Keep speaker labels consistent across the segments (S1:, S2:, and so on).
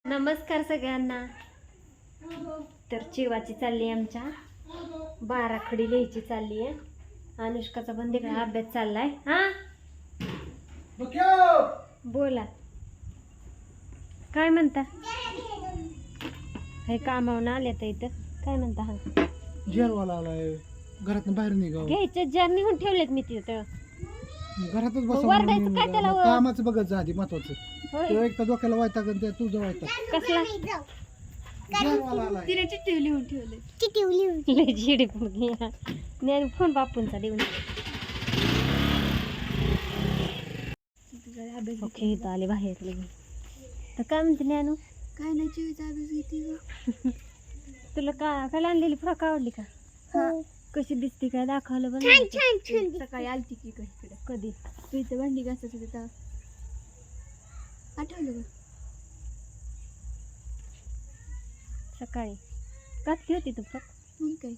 S1: नमस्कार सगळ्यांना. तर चिवाची चालली आमच्या 12 खडी लिहायची चालली आहे. अनुष्काचा पण तिकडे अभ्यास चाललाय. हा बोला काय म्हणता. हे कामावून आले तर इथं काय म्हणता. हा
S2: जेरवाला आलाय घरातून बाहेर निघाव
S1: घ्यायचे जार निघून ठेवलेत मी तिथं
S2: घरातच
S1: वरडायचं काय त्याला
S2: बसा कामाचं बघत जा आधी महत्वाचं.
S1: होय.
S2: तो एक तर डोक्याला वायताग आणि तुझं वायताग.
S1: कसला
S2: जेरवाला आलाय
S1: तिने चिठ्ठी लिहून ठेवले लय जिडी ज्ञान फोन बापूंचा देऊन. ओके इथं आले बाहेर लगे. तर काय म्हणते ज्ञानू.
S3: काय नाही चिवीचा अभ्यास घेते
S1: तुला काय आणलेली फ्रॉक आवडली का. कशी दिसते काय दाखवलं बघ.
S3: सकाळी आलती की इकडे
S1: कधी
S3: तू इथं भांडी घासत होते तेव्हा आठवलं का.
S1: सकाळी घातली होती तू फ्रॉक.
S3: मग काय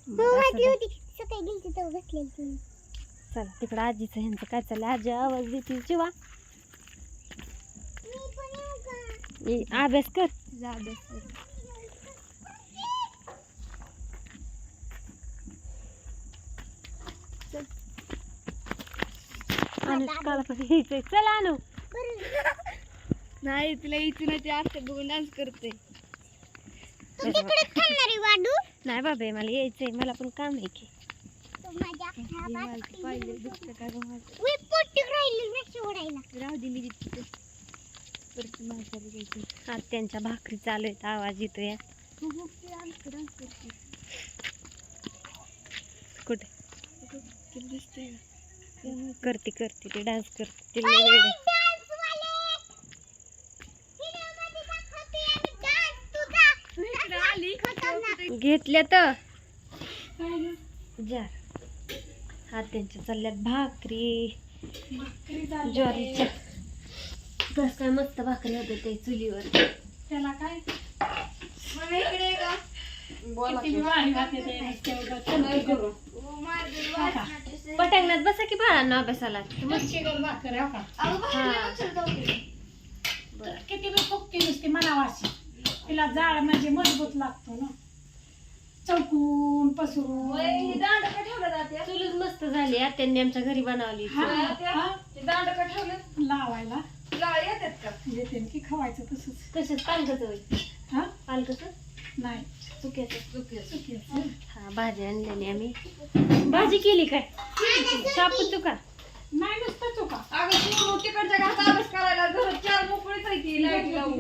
S1: चला तिकडं आजीचं ह्यांचं काय चाललं. आजी आवाज देते चिवा अभ्यास कर.
S3: तुझा अभ्यास कर.
S1: अनुष्काला पण यायचंय. चला आणू.
S3: नाही तुला यायचं नाही ते आता बघून डान्स करते.
S1: नाही बाबा मला यायचंय. मला पण काम आहे की.
S3: पाहिलं दुसरं काय राहू दे मी तिथे परत माझ्याला घ्यायची.
S1: आज त्यांच्या भाकरी चालू आहेत. आवाज येतोय.
S3: डान्स करते
S1: कुठे
S3: तुला दिसतंय
S1: करते करते ते डान्स करते. ते लय वेड आहे. घेतल्या तर जार हा त्यांच्या चालल्यात भाकरी ज्वारीच्या. कस काय मस्त भाकरी होते ते चुलीवर.
S3: त्याला काय इकडे का
S1: पटांगणात बसा की बाळांना अभ्यासाला.
S4: किती बी फुकती नुसती मनावाशी तिला जाळ म्हणजे मजबूत लागतो ना. चौकून पसरून
S1: चुलीच मस्त झाली. त्यांनी आमच्या घरी बनवली.
S4: लावायला येते की खवायचं तसंच.
S1: कशाच पालकच होईल.
S4: हा
S1: पालकच
S4: नाही
S1: चुक्याचं. हा भाजी आणलेली आम्ही. भाजी केली काय शापू चुका.
S4: नाही नुसतं चुका
S3: तिकडच्या घरात अभ्यास करायला घरात 4 मोकळीच आहे ती लाईट लावून.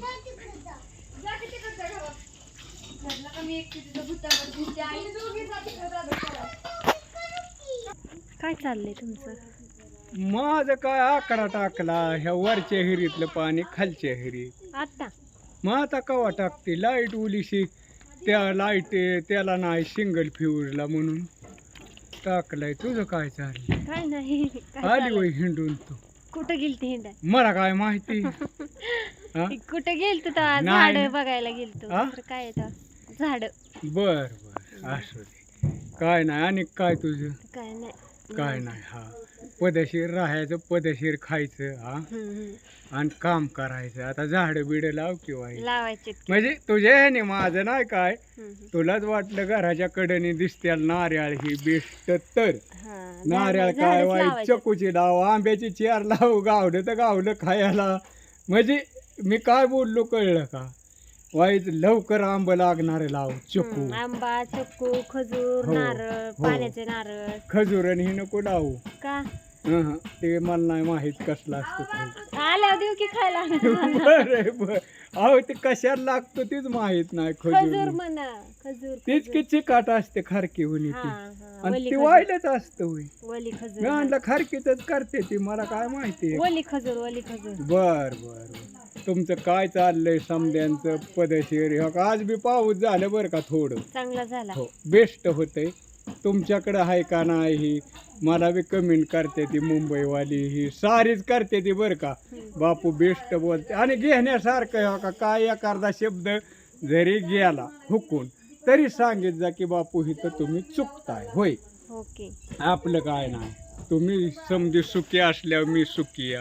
S3: जा की तिकडच्या घरात. घरला कमी एक तिथं भुतावर दिसते आणि दोघी जाती घरात अभ्यास करा.
S1: काय चाललंय तुमचं.
S2: माझं काय आकडा टाकला ह्या वरच्या हिरीतलं पाणी खालच्या हिरीत.
S1: आता
S2: मग आता कवा टाकते लाईट उलीशी. त्या लाईट त्याला नाही सिंगल फ्यूजला म्हणून टाकलाय. तुझं काय चाललंय.
S1: काय नाही. काय
S2: आली
S1: चाललंय?
S2: वय हिंडून तू.
S1: कुठं गेलती हिंडा.
S2: मला काय माहिती. हा?
S1: कुठं गेलतो तर
S2: नाही.
S1: झाड बघायला गेलतो.
S2: हा?
S1: तर काय येतं झाड.
S2: बर बर असू दे. काय नाही आणि काय तुझं.
S1: काय नाही.
S2: काय नाही. हा पदशीर राहायचं पदशीर खायचं. हा आणि काम करायचं. आता झाडं बिडं लाव किंवा
S1: लावायचे.
S2: म्हणजे तुझ्या ह्याने माझं नाही काय. तुलाच वाटलं घराच्या कडेने दिसते नारळ ही बेस्ट तर. नारळ काय वाईट चकूची लाव आंब्याची चेअर लाव गावलं तर गावलं खायला. म्हणजे मी काय बोललो कळलं का. वाईट लवकर आंब लागणार लाव चकू
S1: आंबा चक्कू खजूर
S2: हो,
S1: नारळ
S2: हो.
S1: पाण्याचे नारळ.
S2: खजूर आणि ही नको लावू.
S1: का
S2: ते मला नाही माहित कसला असतो खाऊ.
S1: आल्या देऊ की खायला.
S2: बर बर अहो ते कशाला लागतो तीच माहित नाही.
S1: खजूर
S2: खजूर
S1: म्हणा खजूर.
S2: तीच की चिकाट असते खारकी होणी
S1: हा,
S2: ती.
S1: हा,
S2: आणि
S1: वली
S2: ती
S1: खजूर.
S2: वाईलच असतं होय.
S1: वली
S2: मी
S1: खजूर.
S2: आणलं खारकीच करते ती मला काय माहिती.
S1: वली खजूर वली खजूर.
S2: बर बर तुमचं काय चाललंय समद्यांचं पदशीर. आज बी पाऊस झालं बरं का थोडं.
S1: चांगला झाला.
S2: हो बेस्ट होतंय. तुमच्याकडं आहे का नाही मला बी कमेंट करते ती मुंबईवाली ही सारीच करते ती बरं का. बापू बेस्ट बोलते आणि घेण्यासारखं हो का. काय एखादा शब्द जरी गेला हुकून तरी सांगित जा की बापू ही तर तुम्ही चुकताय. होय
S1: ओके.
S2: आपलं काय नाही. तुम्ही समजी सुखी असल्यावर मी सुखी आहे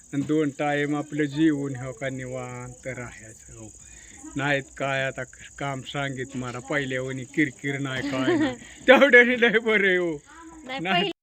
S2: आणि 2 टाइम आपलं जेवून हो का निवांत राहायचं हो. नाहीत काय आता काम सांगित मला पहिल्यावणी किरकिर नाही काय नाही तेवढ्याने लय बरे हो
S1: नाही
S2: नाही.